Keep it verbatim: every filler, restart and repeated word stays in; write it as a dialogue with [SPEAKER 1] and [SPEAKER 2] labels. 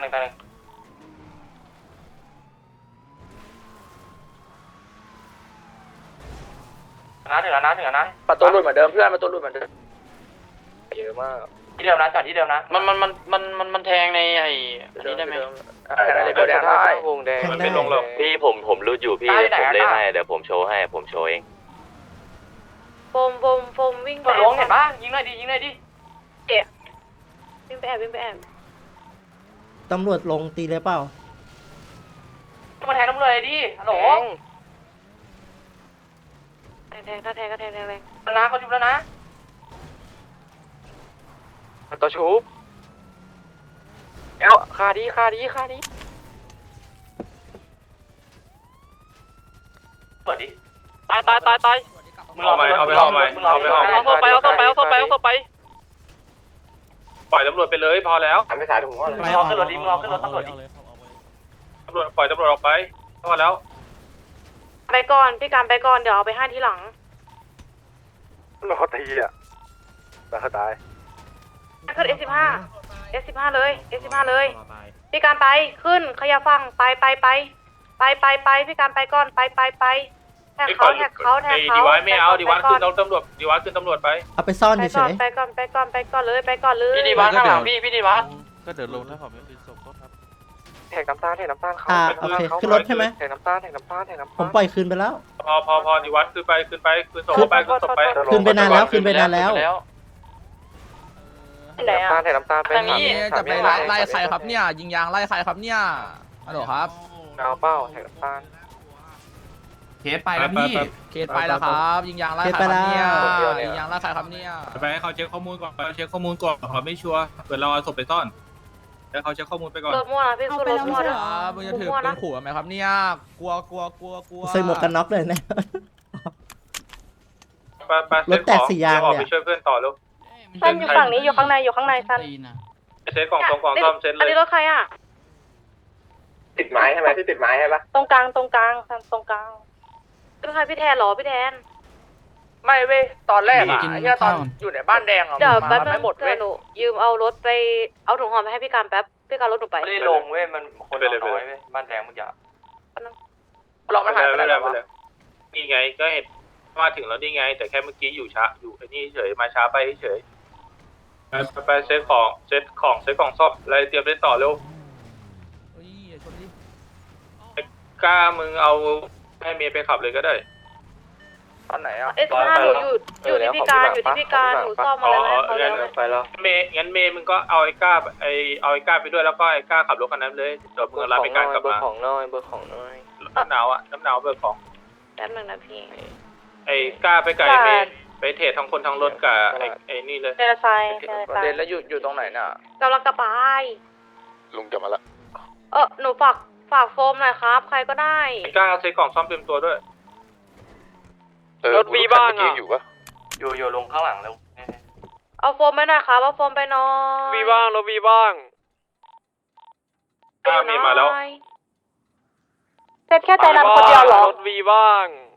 [SPEAKER 1] หนึ่งตายหนึ่งนะถึงแล้วนะถึงแล้วนะประตูหลุดเหมือนเดิมเพื่อนประตูหลุดเหมือนเดิมเยอะมากที่เดิมนะจอดที่เดิมนะมันมันมันมันมันมันแทงในไอ้อันนี้ได้ไหมได้วงแดงมันไม่ลงหรอกพี่ผมผมรู้อยู่พี่ผมเล่นให้เดี๋ยวผมโชว์ให้ผมโชว์เอง
[SPEAKER 2] โฟมโฟมโฟมวิ่งไป
[SPEAKER 1] ลงเห็นปะยิงหน่อยดิยิงหน่อยดิ
[SPEAKER 2] เจ็บวิ่งไปแอบวิ่งไปแอบ
[SPEAKER 3] ตำรวจลงตีเลยเปล่า
[SPEAKER 1] มาแทงตำรวจเลยดิฮัลโหล
[SPEAKER 2] แทงแทงก็แทงก็แทงแทงแรง
[SPEAKER 1] นะเขาชุบแล้วนะตัวชุบเอ้าคาดีคาดีคาดีเปิดดิตายตายตายตาย
[SPEAKER 4] เอาไปเอาไปเอาไปเอาไปเอา
[SPEAKER 1] ไปเอาไปเอาไปเอาไปเอาไป
[SPEAKER 4] ปล่อยตำรวจไปเลยพอแล้ว
[SPEAKER 1] ไม่สายถุงว่าเลยรอขึ้นรถดิรอขึ้นรถตำรวจดิ
[SPEAKER 4] ตำรวจปล่อยตำรวจออกไปพอแล้ว
[SPEAKER 2] ไปก่อนพี่การไปก่อนเดี๋ยวเอาไปให้ทีหลัง
[SPEAKER 1] รอตีอ่ะตายตาย
[SPEAKER 2] ขึ้น เอส สิบห้า เอส สิบห้า เลย เอส สิบห้า เลยพี่การไปขึ้นขยับฟังไปไปไปไปไปไปพี่การไปก่อนไปไปไปแท็กเขาแท็กเขาแท็กเขา
[SPEAKER 4] ดีวายไม่เอาดีวายขึ้นตำรวจดีวายขึ้นตำรวจไป
[SPEAKER 3] เอาไปซ่อนเฉย
[SPEAKER 2] ไปก่อนไปก่อนไปก่อนเลยไปก่อนเลย
[SPEAKER 1] พี่ดีวายข้างหลังพี่พี่ดีวาย
[SPEAKER 5] ก็เดินลงถ้าผมไม่เป็นศพก็ครับ
[SPEAKER 1] แทงน้ำตาลแทงน้ำตาลเขา
[SPEAKER 3] อ่าโอเคขึ้นรถใช่ไหม
[SPEAKER 1] แทงน้ำตาลแทงน้ำตาลแทงน้ำตาล
[SPEAKER 3] ผมปล่อยคืนไปแล้ว
[SPEAKER 4] พอพอพอดีวายขึ้นไปขึ้นไปขึ้นศพไปขึ้นศพไป
[SPEAKER 3] คืนไปนานแล้วคืนไปนานแล้ว
[SPEAKER 1] แทงน้ำตาลแทงน้ำตาลไปนี่
[SPEAKER 5] จะไปไล่ใครครับเนี่ยยิงยางไล่ใครครับเนี่ยฮัลโหลครับ
[SPEAKER 1] เอาเป้าแทงน้ำตาล
[SPEAKER 5] เคสไปแล้วพี่เคสไปแล้วครับยิงยางไล่ใครครับเนี่ยยิงยางไล่ใครครับเนี่ย
[SPEAKER 4] ไปให้เขาเช็คข้อมูลก่อนเช็คข้อมูลก่อนเขาไม่ชัวร์เกิดเราเอาศพไปซ่อนแล้วเขาเช็คข้อมูลไปก่อน
[SPEAKER 2] รถมั่วนะพี่คือรถมั่วนะ
[SPEAKER 5] มึงจะถือเป็นขู่ไหมครับเนี่ยกลัวกลัวกลัวกลัว
[SPEAKER 3] ใส่หมวกกันน็อกเลยเนี่ย
[SPEAKER 4] รถแตกสี่ยางเนี่ยไปช่วยเพื่อนต่อลูก
[SPEAKER 2] ซันอยู่ฝั่งนี้อยู่ข้างในอยู่ข้างในซัน
[SPEAKER 4] เซ็ตกล่องตรงกล่องซ่อมเซ็ตเลย
[SPEAKER 2] อันนี้รถใครอ่ะ
[SPEAKER 1] ติดไม้ใช่ไหมที่ติดไม้ใช่ปะ
[SPEAKER 2] ตรงกลางตรงกลางซันตรงกลางรถใครพี่แทนหรอพี่แทน
[SPEAKER 1] ไม่เว้ยตอนแรกอ่ะไอ้เนี่ยตอนอยู่ในบ้านแดงอ่ะ
[SPEAKER 2] เดี๋ยวแป๊บนึงเดี๋ยวหนูยืมเอารถไปเอาถุงห่อไปให้พี่การแป๊บพี่การรถหนูไป
[SPEAKER 1] ไม่ได้ลงเว้ยมันคนน้อยเว้ยบ้านแดงมันจะลองไม่หายไปแล้ว
[SPEAKER 4] นี่ไงก็เห็นมาถึงแล้วนี่ไงแต่แค่เมื่อกี้อยู่ช้าอยู่ไอ้นี่เฉยมาช้าไปเฉยไปไปเซ็ตของเซ็ตของเซ็ตของซ่อมอะไรเตรียมเล่นต่อเร็วกล้ามึงเอาให้เมย์ไปขับเลยก็ได้
[SPEAKER 1] ตอนไหนอ่ะ
[SPEAKER 2] เอสห้าหนูอยู่อยู่ที่พี่การอยู่ที่พี่การหนูซ่อมมาแล้วนะเขาเ
[SPEAKER 1] ลยไปแล้ว
[SPEAKER 4] เมย์งั้นเมย์มึงก็เอาไอ้ก้าไอเอาไอ้ก้าไปด้วยแล้วก็ไอ้ก้าขับรถคันนั้นเลยจอดมึงรับไปการกลับมา
[SPEAKER 1] เบอร์ของน้อยเบอร์ของน้อย
[SPEAKER 4] น้ำหนาวอ่ะน้ำหนาวเบอร์ของ
[SPEAKER 2] แป๊บนึงนะพี่
[SPEAKER 4] ไอ้ก้าไปไกลเมย์ไปเทรดทั้งคนทั้งรถกับไอ้ไอ้นี่เลย
[SPEAKER 2] เดลไซ
[SPEAKER 1] เดนแล้วอยู่อยู่ตรงไหนน่ะ
[SPEAKER 2] กำลังกระบาย
[SPEAKER 1] ลุงกลับมาละ
[SPEAKER 2] เออหนูฝากฝากโฟมหน่อยครับใครก็ได้
[SPEAKER 4] ไอ้ก้าใช้กล่องซ่อมเต็มตัวด้วย
[SPEAKER 1] รถวีบ้างอ่ะอยู่ปะอยู่อยู่ลงข้างหลังแล้ว
[SPEAKER 2] เอาโฟมไปหน่อยครับเอาโฟมไปหน่อย
[SPEAKER 1] วีบ้างรถวีบ้าง
[SPEAKER 4] ก้ามีมาแล้ว
[SPEAKER 2] เซ็ตแค่ใจดำคนเดียวเหรอ
[SPEAKER 1] รถวีบ้าง